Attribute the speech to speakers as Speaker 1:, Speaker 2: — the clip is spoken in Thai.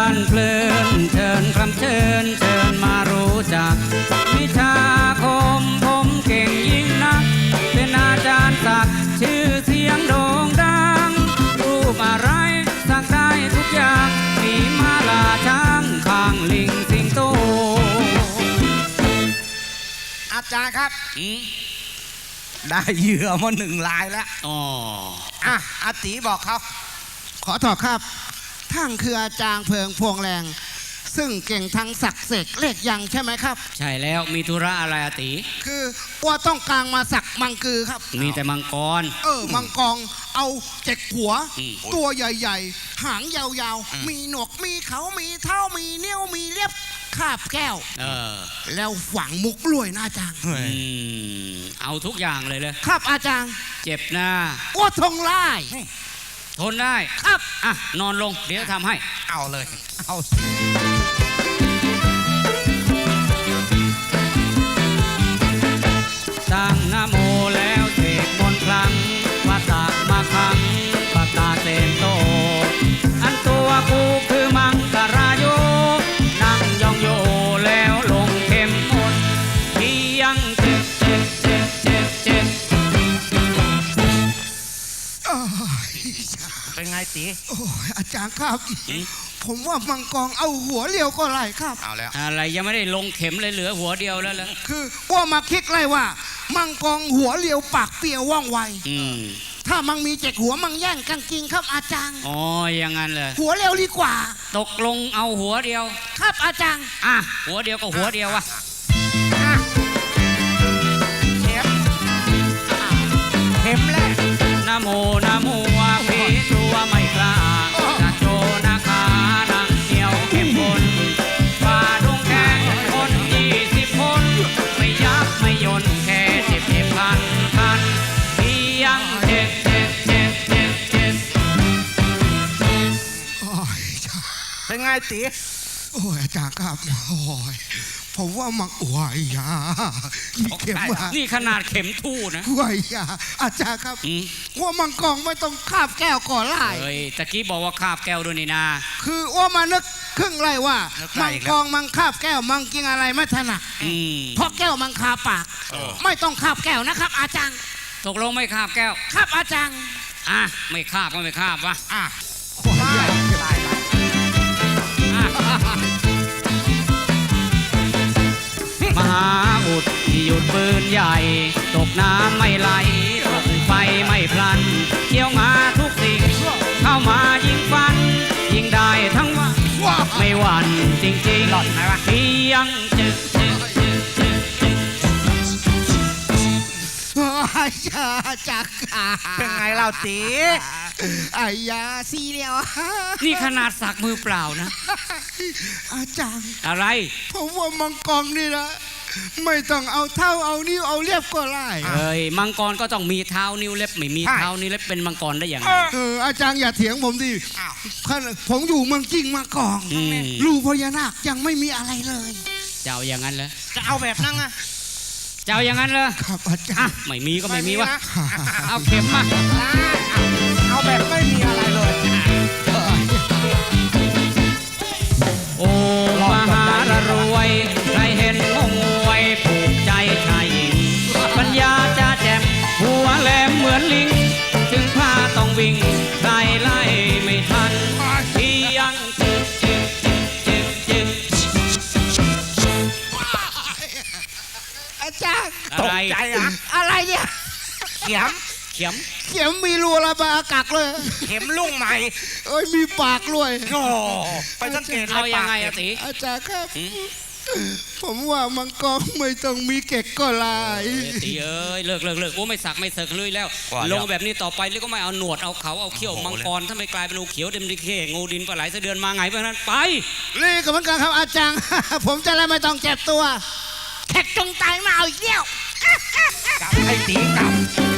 Speaker 1: นเพลินเชิญคำเชิญเชิญมารู้จักวิชาคมผมเก่งยิ่งนักเป็นอาจารย์ศักดิ์ชื่อเสียงโด่งดังรูปอะไรสักได้ทุกอย่างมีมาลาช้างข้างลิงสิงโต
Speaker 2: อาจารย์ครับได้เหยื่อมา1 รายแล้ว
Speaker 1: อ๋อ
Speaker 2: อาตีบอกเขา
Speaker 3: ขอถอดครับท่านคืออาจารย์เพิงพวงแรงซึ่งเก่งทั้งศักดิ์เสกเลขยังใช่ไหมครับ
Speaker 1: ใช่แล้วมีธุระอะไรอาติ
Speaker 3: คือว่าต้องการมาสักมังกือครับ
Speaker 1: มีแต่มังกร
Speaker 3: มังกรเอา7 หัวตัวใหญ่ๆหางยาวๆมีหนวกมีเขามีเท้ามีเนี้ยวมีเล็บคาบแก้วแล้วฝังมุกลวยนะอาจารย์
Speaker 1: เอาทุกอย่างเลย
Speaker 3: ครับอาจารย์
Speaker 1: เจ็บหน้า
Speaker 3: ว่าทงไล่
Speaker 1: ทนได้
Speaker 3: ครับ
Speaker 1: นอนลงเดี๋ยวทำให้
Speaker 2: เอาเลยเอา
Speaker 1: ตั้งนะโมแล้วเสกมนต์ครั้งว่าตากมาคังปากตาเซนโตอันตัวกูคือมังกราโยนั่งยองโยแล้วลงเข้มมนที่ยังเจ็บ
Speaker 2: เป็นไงตี
Speaker 3: โอ้ยอาจารย์ครับผมว่ามังกรเอาหัวเรียวก็ไรครับ
Speaker 2: เอาแล้ว
Speaker 1: อะไรยังไม่ได้ลงเข็มเลยเหลือหัวเดียวแล้ว
Speaker 3: คือว่ามาคิดไรว่ามังกรหัวเรียวปากเปรี้ยวว่องไวถ้ามังมี7 หัวมังแย่งกันกินครับอาจารย์
Speaker 1: อ๋ออย่างนั้นเลย
Speaker 3: หัวเรียวดีกว่า
Speaker 1: ตกลงเอาหัวเดียว
Speaker 3: ครับอาจารย์
Speaker 1: หัวเดียวก็หัวเดียววะ
Speaker 2: เข็มแรก
Speaker 1: นะโมนะโมว่าผีกลัวไม่กล้านะโจนะคานังเหนียวเข้มข้นฝ่าดงแขนคน20 คนไม่ยับไม่ยนแค่เจ็บคันที่ยังเจ็บ
Speaker 2: เป็นไงตี
Speaker 3: โอ้ยอาจารย์ครับโอ้ยผมว่ามังอวยยามีเข็ม
Speaker 1: นี่ขนาดเข็มทู่นะ
Speaker 3: อวยยาอาจารย์ครับว่ามังกรไม่ต้องคาบแก้วก่อนไล่
Speaker 1: ตะกี้บอกว่าคาบแก้วด้วยนี่นา
Speaker 3: คือว่ามานึกครึ่งไรว่ามังกรมังคาบแก้วมังกินอะไรไม่ถนัดเพราะแก้วมังคาปากไม่ต้องคาบแก้วนะครับอาจารย์
Speaker 1: ตกลงไม่คาบแก้ว
Speaker 3: ครับอาจารย์
Speaker 1: ไม่คาบก็ไม่คาบวะมหาอุดที่หยุดปืนใหญ่ตกน้ำไม่ไหลตกไฟไม่พลันเกี่ยวงาทุกสิ่งเข้ามายิงฟันยิงได้ทั้งวันไม่หวั่นจริงๆที่ยังจึก
Speaker 3: จัก
Speaker 2: เป็นไงเราตี
Speaker 3: ไอ้ยาซีเรียว
Speaker 1: นี่ขนาดสักมือเปล่านะ
Speaker 3: อาจารย์
Speaker 1: อะไร
Speaker 3: ผมว่ามังกรนี่นะไม่ต้องเอาเท้าเอานิ้วเอาเล็บก็ไล่
Speaker 1: มังกรก็ต้องมีเท้านิ้วเล็บไม่มีเท้านิ้วเล็บเป็นมังกรได้อย่างไร
Speaker 3: อาจารย์อย่าเถียงผมดิผมอยู่เมืองจริงมาก่อนรูพญานาคยังไม่มีอะไรเลย
Speaker 1: เจ้าอย่างนั้นเหรอ
Speaker 2: จะเอาแบบนั้นนะ
Speaker 1: เจ้าอย่างนั้นเหรอ
Speaker 3: ครับอาจารย์
Speaker 1: ไม่มีก็ไม่มีวะเอาเข็มมา
Speaker 2: เอาแบบไม่มีอะไรเลย
Speaker 1: โอ้มหารวยใครเห็นงงงวยผูกใจชายหญิงปัญญาจะแจ่มหัวแหลมเหมือนลิงถึงผ้าต้องวิ่งไล่ไม่ทันที่ยังจึก
Speaker 3: อาจารย์
Speaker 1: ตกใจ
Speaker 3: อะไรเนี่ย
Speaker 2: เข็ม
Speaker 3: มีรูระบายอากาศเลย
Speaker 2: เข็มลุ่งใหม่
Speaker 3: มีปากด้วย
Speaker 2: ไปสังเกต
Speaker 1: เอายังไงอาติ
Speaker 3: อาจารย์ครับผมว่ามังกรไม่ต้องมีเก็กก็ลาย
Speaker 1: ตีเลิกโอ้ไม่สักไม่เสกเลยแล้วลงแบบนี้ต่อไปแล้วก็ไม่เอาหนวดเอาเขาเอาเขี้ยวมังกรถ้าไม่กลายเป็นงูเขียวเต็มดิเคงูดินปลาไหลเสดือนมาไงเพราะนั้นไป
Speaker 3: นี่ก็เหมือนกันครับอาจารย์ผมจะได้ไม่ต้องเจ็บตัวแขกจงตายมาเอาอีกเดียว
Speaker 2: กลับให้ตีกลับ